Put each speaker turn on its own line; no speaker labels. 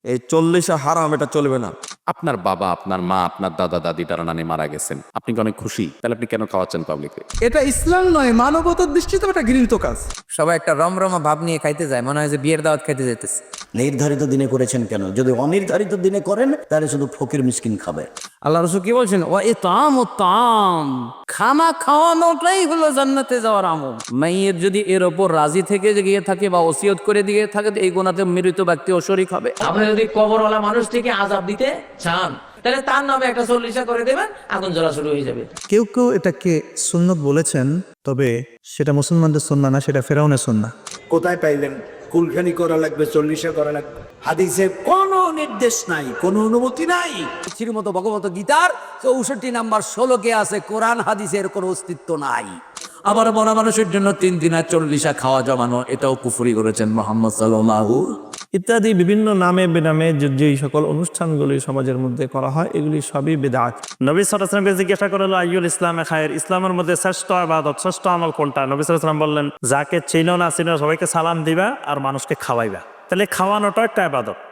এই 40 হারাম, এটা চলবে না।
আপনার বাবা, আপনার মা, আপনার দাদা দাদি তারা নানি মারা গেছেন, আপনি কি অনেক খুশি? তাহলে আপনি কেন খাওয়াচ্ছেন পাবলিককে?
এটা ইসলাম নয়, মানবতার দৃষ্টিতে এটা ঘৃণিত কাজ।
সবাই একটা রমরমা ভাব নিয়ে খাইতে যায়, মনে হয় যে বিয়ের দাওয়াত খাইতে যেতেছে।
নির্ধারিত দিনে করেছেন কেন? যদি অনির্ধারিত দিনে করেন তাহলে শুধু ফকির মিসকিন খাবে।
আল্লাহ রাসূল কি বলছেন? ওয়া ইতাম, খানা খাওয়ানোটাই হলো জান্নাতে যাওয়ার আমল। মাইয়ের যদি এর ওপর রাজি থেকে গিয়ে থাকে বা ওসিয়ত করে দিয়ে থাকে, এই গুনাহতে মৃত ব্যক্তি ও শরীক হবে।
আপনি যদি কবরওয়ালা মানুষটিকে আযাব দিতে চান, তাহলে তার নামে একটা 40 করে দেবেন, আগুন জ্বলা শুরু হয়ে যাবে।
কেউ কেউ এটাকে সুন্নত বলেছেন, তবে সেটা মুসলমানদের সুন্নাহ না, সেটা ফেরাউনের সুন্নাহ।
কোথায় পাইলেন কুলখানি করা লাগবে, 40 করা লাগবে? হাদিসে কোনো নির্দেশ নাই, কোনো অনুমতি নাই।
শ্রীমত ভগবত গীতার 64 নাম্বার শ্লোকে আছে কোরআন হাদিসের কোনো অস্তিত্ব নাই।
আবার মরা মানুষের জন্য 3 দিনের 40 খাওয়া জমানো, এটাও কুফরি করেছেন মুহাম্মদ সাল্লাল্লাহু।
ইত্যাদি বিভিন্ন নামে বেনামে যেই সকল অনুষ্ঠানগুলি সমাজের মধ্যে করা হয়, এগুলি সবই বিদআত। নবী সাল্লাল্লাহু আলাইহি ওয়াসাল্লামকে জিজ্ঞাসা করা হলো, আইয়ুল ইসলামে খায়ের, ইসলামের মধ্যে শ্রেষ্ঠ ইবাদত, শ্রেষ্ঠ আমল কোনটা? নবী সাল্লাল্লাহু আলাইহি ওয়াসাল্লাম বললেন, যাকে চিনো না চিনো সবাইকে সালাম দিবা আর মানুষকে খাওয়াইবা। তাহলে খাওয়ানোটা একটা ইবাদত।